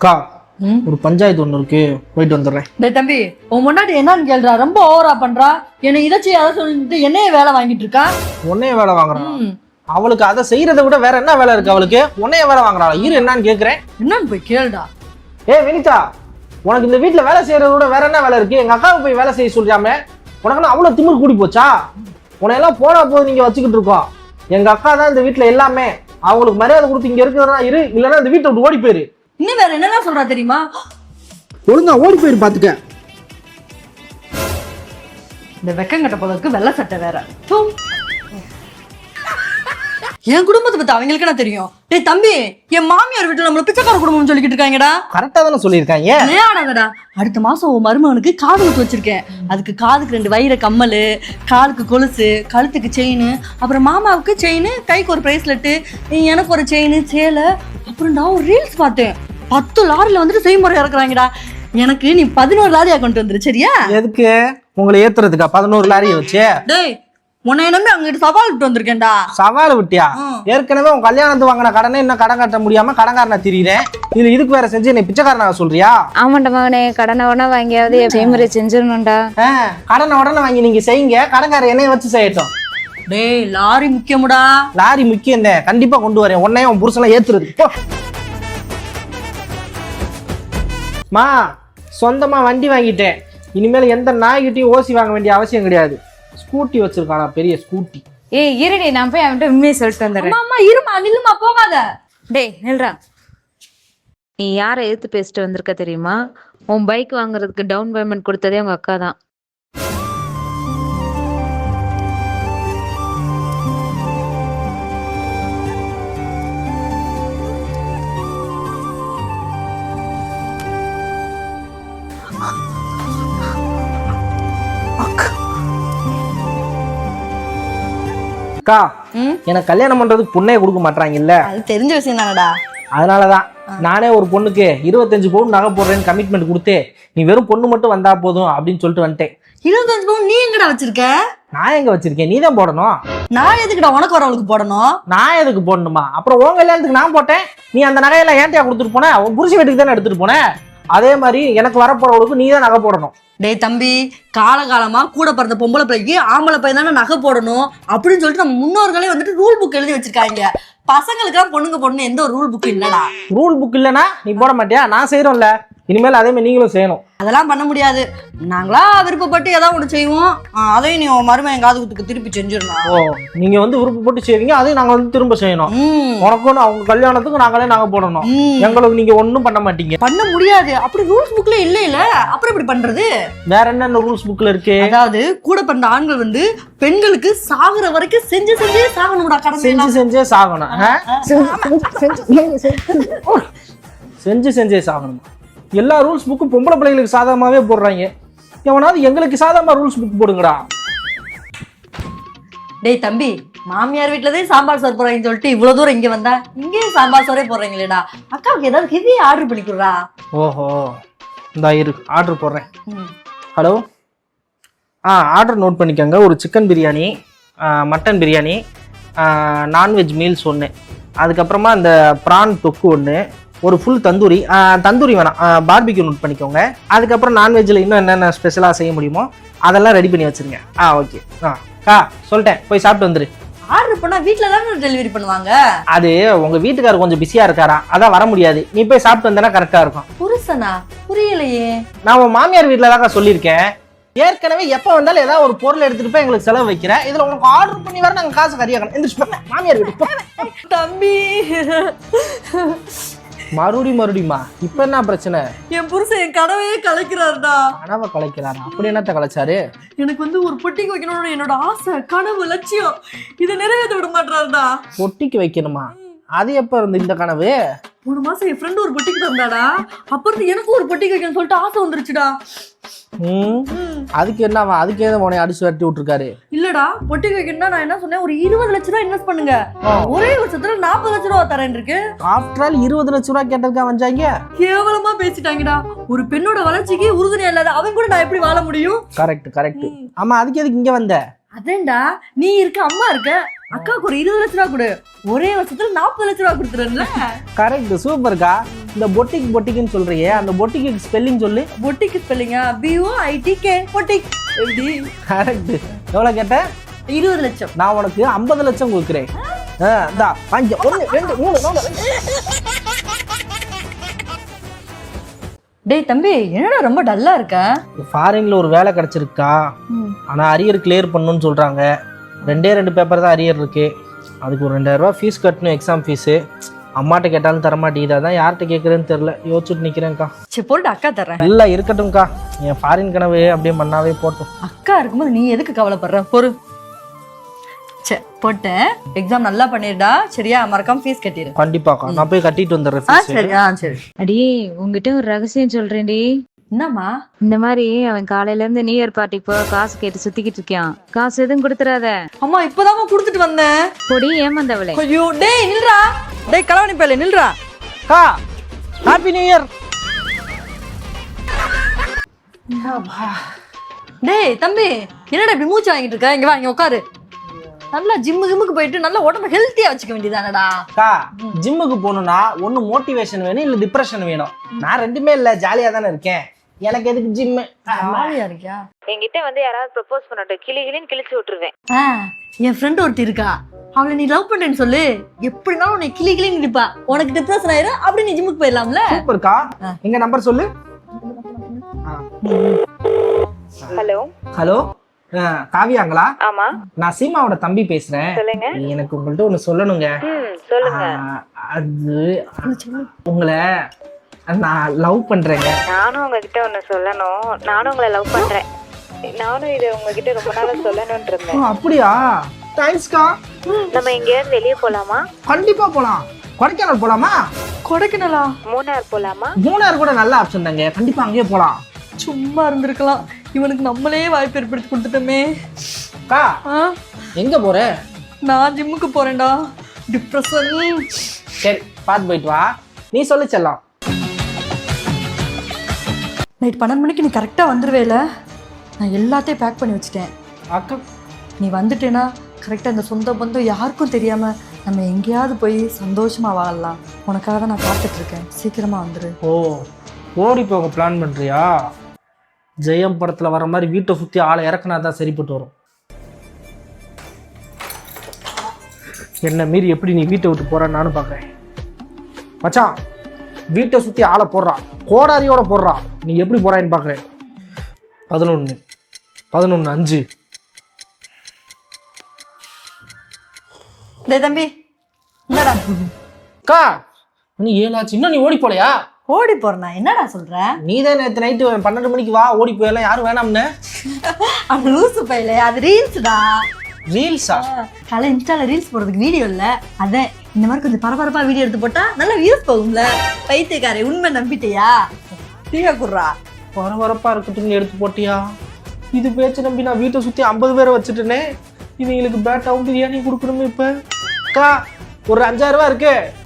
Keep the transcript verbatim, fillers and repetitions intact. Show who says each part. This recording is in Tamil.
Speaker 1: அக்கா ஒரு பஞ்சாயத்து ஒண்ணு இருக்கு, போயிட்டு வந்துடுறேன்.
Speaker 2: டேய் தம்பி, உன் முன்னாடி என்னன்னு கேள்றா, ரொம்ப ஓவரா பண்றா. என்ன இதை செய்ய அதை சொல்லிட்டு என்னைய வேலை வாங்கிட்டு இருக்கா.
Speaker 1: உன்னைய வேலை வாங்குறான். அவளுக்கு அதை செய்யறதை விட வேற என்ன வேலை இருக்கு அவளுக்கு? உன்னைய வேலை வாங்குறாள். இரு என்னன்னு கேக்குறேன்.
Speaker 2: என்னன்னு போய் கேளுடா.
Speaker 1: ஏ வினிதா, உனக்கு இந்த வீட்டுல வேலை செய்யறத விட வேற என்ன வேலை இருக்கு? எங்க அக்காவை போய் வேலை செய்ய சொல்றாமே, உனக்கு அவ்வளவு திமிரு கூடி போச்சா? உன்னையெல்லாம் போனா போது நீங்க வச்சுக்கிட்டு இருக்கோம். எங்க அக்கா தான் இந்த வீட்டுல எல்லாமே. அவங்களுக்கு மரியாதை கொடுத்து இங்க இருக்கிறதா இரு, இல்லைன்னா இந்த வீட்டை விட்டு ஓடி போயிரு.
Speaker 2: இன்னும் வேற என்னெல்லாம் சொல்றா தெரியுமா?
Speaker 1: ஒழுங்கா ஓடி போயிரு பாத்துக்க.
Speaker 2: இந்த வெக்கங்கட்ட போலக்கு வெள்ளை சட்டை வேற. என் குடும்பத்தை பத்தி அவங்களுக்கு என்ன தெரியும்? டேய் தம்பி, என் மாமியார் வீட்டுல நம்மள பிச்சைக்கார குடும்பம் சொல்லிக்கிட்டு இருக்காங்கடா.
Speaker 1: கரெக்டா தானே சொல்லியிருக்காங்க.
Speaker 2: ஏடாதடா, அடுத்த மாசம் உன் மருமகனுக்கு காது குத்து வச்சிருக்கேன். அதுக்கு காதுக்கு ரெண்டு வைர கம்மல், காலுக்கு கொலுசு, கழுத்துக்கு செயின், அப்புறம் மாமாவுக்கு செயின், கைக்கு ஒரு பிரேஸ்லெட்டு, எனக்கு ஒரு செயின், சேலை. அப்புறம் நான் ஒரு ரீல்ஸ் பார்த்தேன், பத்து லாரில வந்துட்டு செய்முறை இறக்குறாங்கடா. எனக்கு நீ பதினோரு லாரியா கொண்டு வந்துரு, சரியா?
Speaker 1: எதுக்கு? உங்களை ஏத்துறதுக்கா பதினோரு லாரியை வச்சு?
Speaker 2: டேய், உன்னை நம்பி அங்கிட்டு சவால் விட்டு வந்திருக்கேன்டா.
Speaker 1: சவால் விட்டியா? ஏற்கனவே உன் கல்யாணத்து வாங்கின கடனை இன்னும் கடன் கட்ட முடியாம கடன்காரனை திரியிறேன். இது இதுக்கு வேற செஞ்சு என்னை பிச்சைக்காரனா சொல்றியா?
Speaker 3: ஆமாண்டா மகனே, கடனை உடனே வாங்கியாவது செய்முறை செஞ்சிடணும்டா.
Speaker 1: கடனை உடனே வாங்கி நீங்க செய்யுங்க, கடன்கார என்னைய வச்சு செய்யட்டும்.
Speaker 2: டேய், லாரி முக்கியமுடா.
Speaker 1: லாரி முக்கியம் தான், கண்டிப்பா கொண்டு வரேன். உன்னையும் உன் புருஷனை ஏத்துறது. மா, சொந்தமா வண்டி வாங்கிட்டேன். இனிமேல் எந்த நாய்கிட்டையும் ஓசி வாங்க வேண்டிய அவசியம் கிடையாது. ஸ்கூட்டி வச்சிருக்கானா, பெரிய ஸ்கூட்டி.
Speaker 3: ஏய் இருடி, நான் போய் அவன்கிட்ட உண்மையை சொல்லிட்டு வந்துடுறேன்.
Speaker 2: அம்மா இருமா, நில்லுமா, போகாத.
Speaker 3: டேய் நில்றா. நீ யாரை எதிர்த்து பேசிட்டு வந்திருக்க தெரியுமா? உன் பைக் வாங்குறதுக்கு டவுன் பேமெண்ட் கொடுத்ததே உங்க அக்கா தான்.
Speaker 1: அக்கா, எனக்கு கல்யாணம் பண்றதுக்கு பொண்ணே கொடுக்க மாட்டாங்கல்ல?
Speaker 2: அது தெரிஞ்ச விஷயம் தானடா.
Speaker 1: அதனாலதான் நானே ஒரு பொண்ணுக்கு இருபத்தஞ்சு பவுன் நகை போடுறேன்னு கமிட்மெண்ட் கொடுத்து, நீ வெறும் பொண்ணு மட்டும் வந்தா போதும் அப்படின்னு சொல்லிட்டு வந்துட்டேன்.
Speaker 2: இருபத்தஞ்சு பவுன் நீ எங்கடா வச்சிருக்க?
Speaker 1: நான் எங்க வச்சிருக்கேன்? நீ தான் போடணும்.
Speaker 2: நான் எதுக்குடா உனக்கு வரவளுக்கு போடணும்?
Speaker 1: நான் எதுக்கு போடணுமா? அப்புறம் உன் கல்யாணத்துக்கு நான் போட்டேன், நீ அந்த நகையெல்லாம் ஏன்ட்டியா கொடுத்துட்டு போன? உன் புருஷ வீட்டுக்கு தானே எடுத்துட்டு போனேன். அதே மாதிரி எனக்கு வரப்போறவளுக்கு நீ தான் நகை போடணும்.
Speaker 2: டேய் தம்பி, காலகாலமா கூட பிறந்த பொம்பளை பிள்ளைக்கு ஆம்பளை பையன் தானே நகை போடணும் அப்படின்னு சொல்லிட்டு நம்ம முன்னோர்களே வந்துட்டு ரூல் புக் எழுதி வச்சிருக்காங்க. பசங்களுக்கெல்லாம் பொண்ணுங்க போடணும் எந்த ஒரு ரூல் புக் இல்லடா.
Speaker 1: ரூல் புக் இல்லைன்னா நீ போட மாட்டியா? நான் செய்யறோம்ல, இனிமேல் அதே மாதிரி நீங்களும் செய்யணும்.
Speaker 2: அதெல்லாம் பண்ண முடியாது. நாங்களா விருப்பப்பட்டு ஏதாவது ஒன்று செய்வோம், அதையும் நீ மருமகன் என் காதுகுத்துக்கு திருப்பி செஞ்சிடணும்.
Speaker 1: ஓ, நீங்க வந்து விருப்பப்பட்டு செய்வீங்க, அதையும் நாங்க வந்து திரும்ப செய்யணும். உனக்கும் அவங்க கல்யாணத்துக்கு நாங்களே நாங்க போடணும். எங்களுக்கு நீங்க ஒன்னும் பண்ண மாட்டீங்க.
Speaker 2: பண்ண முடியாது. அப்படி ரூல்ஸ் புக்ல இல்ல இல்ல அப்புறம் இப்படி பண்றது?
Speaker 1: வேற என்ன ரூல்ஸ் புக்ல இருக்கு?
Speaker 2: அதாவது கூட பிறந்த ஆண்கள் வந்து பெண்களுக்கு சாகுற வரைக்கும் செஞ்சு செஞ்சே சாகணும்டா. கடமை
Speaker 1: செஞ்சு செஞ்சே சாகணும். செஞ்சு செஞ்சே சாகணும். எல்லா ரூல்ஸ் புக்கும் பொம்பளை பிள்ளைகளுக்கு சாதகமாவே போடுறாங்க. எவனாவது எங்களுக்கு சாதகமா ரூல்ஸ் புக் போடுங்கடா.
Speaker 2: டேய் தம்பி, மாமியார் வீட்டுலதான் சாம்பார் சோறு போடுறாங்கன்னு சொல்லிட்டு இவ்வளவு தூரம் இங்க வந்தா இங்கேயும் சாம்பார் சோறே போடுறீங்களேடா. அக்காவுக்கு ஏதாவது ஹெவி ஆர்டர் பண்ணிக்கிறா.
Speaker 1: ஓஹோ, இந்த இரு ஆர்டர் போடுறேன். ஹலோ, ஆ ஆர்டர் நோட் பண்ணிக்கோங்க. ஒரு chicken biryani, mutton biryani, non veg meals ஒன்று, அதுக்கப்புறமா இந்த ப்ரான் தொக்கு ஒன்று, ஒரு ஃபுல் தந்தூரி. தந்தூரி வேணாம், பார்பிக்யூ நோட் பண்ணிக்கோங்க. அதுக்கப்புறம் நான்வெஜ்ஜில் இன்னும் என்னென்ன ஸ்பெஷலாக செய்ய முடியுமோ அதெல்லாம் ரெடி பண்ணி வச்சுருங்க. ஆ ஓகே. ஆ கா சொல்லிட்டேன், போய் சாப்பிட்டு வந்துரு.
Speaker 2: ஆர்டர் பண்ணா வீட்டில் தானே டெலிவரி பண்ணுவாங்க.
Speaker 1: அது உங்கள் வீட்டுக்காரர் கொஞ்சம் பிஸியாக இருக்காரா, அதான் வர முடியாது. நீ போய் சாப்பிட்டு வந்தேன்னா கரெக்டாக இருக்கும்.
Speaker 2: புருஷனா? புரியலையே.
Speaker 1: நான் உன் மாமியார் வீட்டில் தாங்க சொல்லியிருக்கேன். ஏற்கனவே எப்போ வந்தாலும் ஏதாவது ஒரு பொருள் எடுத்துட்டு போய் எங்களுக்கு செலவு வைக்கிறேன். இதுல உனக்கு ஆர்டர் பண்ணி வர நாங்கள் காசு கறியாக்கணும். எந்திரிச்சு மாமியார் வீட்டு
Speaker 2: தம்பி.
Speaker 1: மறுபடி மறுபடியுமா? இப்ப என்ன பிரச்சனை?
Speaker 2: என் புருஷன் என் கனவையே கலைக்கிறாருடா.
Speaker 1: கனவை கலைக்கிறாரா? அப்படி என்னத்த கலைச்சாரு?
Speaker 2: எனக்கு வந்து ஒரு பொட்டிக்கு வைக்கணும்னு என்னோட ஆசை, கனவு, லட்சியம். இதை நிறைவேற்ற விட மாட்டாருடா.
Speaker 1: பொட்டிக்கு வைக்கணுமா? அது எப்ப இருந்து இந்த கனவு?
Speaker 2: மூணு மாசம் என் ஃப்ரெண்டு ஒரு பொட்டிக்கு தந்தாடா. அப்புறம் எனக்கு ஒரு பொட்டிக்கு வைக்கணும்னு சொல்லிட்டு ஆசை வந்துருச்சுடா.
Speaker 1: அதுக்கு என்னவா? அதுக்கு ஏதோ உனைய அடிச்சு வரட்டி விட்டுருக்காரு?
Speaker 2: இல்லடா, பொட்டிக்கு வைக்கணும்னா நான் என்ன சொன்னேன், ஒரு இருபது லட்சம் ரூபாய் இன்வெஸ்ட் பண்ணுங்க, ஒரே வருஷத்துல நாற்பது லட்சம் ரூபாய் தரேன் இருக்கு.
Speaker 1: ஆஃப்டர் ஆல் இருபது லட்சம் ரூபாய் கேட்டதுக்கா வந்தாங்க.
Speaker 2: கேவலமா பேசிட்டாங்கடா. ஒரு பெண்ணோட வளர்ச்சிக்கு உறுதுணையா இல்லாத அவன் கூட நான் எப்படி வாழ முடியும்?
Speaker 1: Correct correct. ஆமா, அதுக்கு எதுக்கு இங்க வந்த?
Speaker 2: அதேண்டா, நீ இருக்க, அம்மா இருக்க. அக்காவுக்கு ஒரு இருபது லட்ச ரூபா கொடு, ஒரே வருஷத்துல நாற்பது லட்ச ரூபா கொடுத்துருல.
Speaker 1: கரெக்ட், சூப்பர்க்கா. இந்த பொட்டிக் பொட்டிக்குன்னு சொல்றியே, அந்த பொட்டிக்கு ஸ்பெல்லிங் சொல்லு.
Speaker 2: பொட்டிக்கு ஸ்பெல்லிங்கா? B O I T K boutique. எப்படி?
Speaker 1: கரெக்ட். எவ்வளோ கேட்ட?
Speaker 2: இருபது லட்சம்.
Speaker 1: நான் உனக்கு ஐம்பது லட்சம் கொடுக்குறேன். இந்தா அஞ்சு, ஒன்று, ரெண்டு, மூணு, நாலு.
Speaker 2: டேய் தம்பி, என்னடா ரொம்ப டல்லா இருக்க?
Speaker 1: ஃபாரின்ல ஒரு வேலை கிடைச்சிருக்கா, ஆனா அரியர் கிளியர் பண்ணணும்னு சொல்றாங்க. ரெண்டே ரெண்டு பேப்பர் தான் அரியர் இருக்கு. அதுக்கு ஒரு ரெண்டாயிரம் ரூபாய் ஃபீஸ் கட்டணும், எக்ஸாம் ஃபீஸு. அம்மாட்ட கேட்டாலும் தரமாட்டேங்குது, அதான் யார்கிட்ட கேட்குறேன்னு தெரில, யோசிச்சுட்டு நிற்கிறேன்க்கா.
Speaker 2: சரி போட்டு அக்கா தர்றேன்.
Speaker 1: இல்லை இருக்கட்டும்க்கா, என் ஃபாரின் கனவு அப்படியே மண்ணாவே போட்டோம்.
Speaker 2: அக்கா இருக்கும்போது நீ எதுக்கு கவலைப்படுற? பொறு. சரி போட்டேன், எக்ஸாம் நல்லா பண்ணிருடா, சரியா? மறக்காம ஃபீஸ் கட்டிடு.
Speaker 1: கண்டிப்பாக்கா, நான் போய் கட்டிட்டு வந்துடுறேன்.
Speaker 2: ஆ சரி. ஆ சரி.
Speaker 3: அடியே உங்ககிட்ட ஒரு ரகசியம் சொல்றேன்டி.
Speaker 2: என்னம்மா?
Speaker 3: இந்த மாதிரி அவன் காலையில இருந்து நியூ இயர் பார்ட்டிக்கு போக காசு கேட்டு சுத்திக்கிட்டு இருக்கான். காசு எதுவும் கொடுத்துறாத.
Speaker 2: அம்மா இப்பதாம்மா கொடுத்துட்டு வந்தேன்.
Speaker 3: பொடி ஏமாந்தவளே.
Speaker 2: ஐயோ டேய் நில்றா, டேய் கலவணி பேல நில்றா.
Speaker 1: கா ஹாப்பி நியூ இயர்.
Speaker 2: டேய் தம்பி, என்னடா இப்படி மூச்சு வாங்கிட்டு இருக்க? இங்க வா, இங்க உட்காரு. நல்லா ஜிம்மு ஜிம்முக்கு போயிட்டு நல்லா உடம்பு ஹெல்த்தியா வச்சுக்க வேண்டியதானடா.
Speaker 1: கா ஜிம்முக்கு போகணும்னா ஒன்று மோட்டிவேஷன் வேணும், இல்லை டிப்ரெஷன் வேணும். நான் ரெண்டுமே இல்லை, ஜாலியாக தானே இருக்கேன். எனக்கு எதுக்கு ஜிம்மு?
Speaker 2: ஜாலியா இருக்கியா?
Speaker 3: என்கிட்ட வந்து யாராவது ப்ரப்போஸ் பண்ணட்டும், கிளி கிளின்னு கிழிச்சு விட்டுருவேன்.
Speaker 2: ஆ என் ஃப்ரெண்ட் ஒருத்தி இருக்கா, அவளை நீ லவ் பண்றேன்னு சொல்லு, எப்படினாலும் உன்னை கிளி கிளின்னு நிப்பா. உனக்கு டிப்ரெஷன் ஆயிரும், அப்படி நீ ஜிம்முக்கு போயிடலாம்ல.
Speaker 1: சூப்பர்க்கா. எங்க நம்பர் சொல்லு.
Speaker 3: ஹலோ
Speaker 1: ஹலோ, காவியாங்களா?
Speaker 3: ஆமா,
Speaker 1: நான் சீமாவோட தம்பி பேசுறேன்.
Speaker 3: சொல்லுங்க.
Speaker 1: எனக்கு உங்கள்ட்ட ஒண்ணு சொல்லணுங்க.
Speaker 3: சொல்லுங்க.
Speaker 1: அது உங்களை நான் லவ் பண்றேங்க.
Speaker 3: நானும் உங்ககிட்ட ஒண்ணு சொல்லணும். நானும் உங்களை லவ் பண்றேன். நானும் இதை உங்ககிட்ட ரொம்ப நாளா சொல்லணும்னு இருந்தேன்.
Speaker 1: அப்படியா? தேங்க்ஸ்க்கா.
Speaker 3: நம்ம எங்கேயாவது வெளியே போலாமா?
Speaker 1: கண்டிப்பா போலாம். கொடைக்கானல் போலாமா?
Speaker 2: கொடைக்கானலா?
Speaker 3: மூணார் போலாமா?
Speaker 1: மூணார் கூட நல்ல ஆப்ஷன் தாங்க, கண்டிப்பா அங்கேயே போலாம்.
Speaker 2: சும்மா இருந்திருக்கலாம், இவனுக்கு நம்மளே வாய்ப்பு ஏற்படுத்தி கொடுத்துட்டோமே.
Speaker 1: கா எங்க போற?
Speaker 2: நான் ஜிம்முக்கு போறேன்டா, டிப்ரெஷன்.
Speaker 1: சரி பார்த்து போயிட்டு வா. நீ சொல்லி செல்லாம்.
Speaker 2: நைட் பன்னெண்டு மணிக்கு நீ கரெக்டாக வந்துடுவேல, நான் எல்லாத்தையும் பேக் பண்ணி வச்சுட்டேன்.
Speaker 1: அக்கா
Speaker 2: நீ வந்துட்டேன்னா கரெக்டாக இந்த சொந்த பந்தம் யாருக்கும் தெரியாமல் நம்ம எங்கேயாவது போய் சந்தோஷமாக வாழலாம். உனக்காக தான் நான் காத்துட்ருக்கேன், சீக்கிரமாக வந்துடு.
Speaker 1: ஓ, ஓடி போக பிளான் பண்ணுறியா? ஜெயம் படத்தில் வர மாதிரி வீட்டை சுற்றி ஆளை இறக்குனா தான் சரிப்பட்டு வரும். என்னை மீறி எப்படி நீ வீட்டை விட்டு போகிறான்னு நானும் பார்க்குறேன். மச்சான், வீட்டை சுற்றி ஆளை போடுறான், கோடாரியோட போடுறான். நீ எப்படி போகிறான்னு பார்க்குறேன். பதினொன்று பதினொன்று அஞ்சு.
Speaker 2: டேய் தம்பி, என்னடா
Speaker 1: அக்கா நீ ஏழாச்சு, இன்னும் நீ ஓடி போலையா?
Speaker 2: ஓடி போறேனா? என்னடா சொல்ற?
Speaker 1: நீ தான் நேற்று நைட்டு பன்னெண்டு மணிக்கு வா ஓடி போயெல்லாம் யாரும் வேணாம்னு.
Speaker 2: அது லூசு பையில, அது ரீல்ஸ்டா.
Speaker 1: ரீல்ஸா?
Speaker 2: காலை இன்ஸ்டால ரீல்ஸ் போடுறதுக்கு வீடியோ இல்ல, அதான் இந்த மாதிரி கொஞ்சம் பரபரப்பா வீடியோ எடுத்து போட்டா நல்லா வியூஸ் போகும்ல. பைத்தியக்காரே, உண்மை நம்பிட்டியா? டீயா குடுறா.
Speaker 1: பரபரப்பா இருக்கட்டும்னு எடுத்து போட்டியா? இது பேச்சு நம்பி நான் வீட்டை சுற்றி ஐம்பது பேரை வச்சுட்டேனே. இவங்களுக்கு பேட்டாவும் பிரியாணி கொடுக்கணுமே. இப்போ அக்கா ஒரு அஞ்சாயிரம் ரூபா இருக்கு,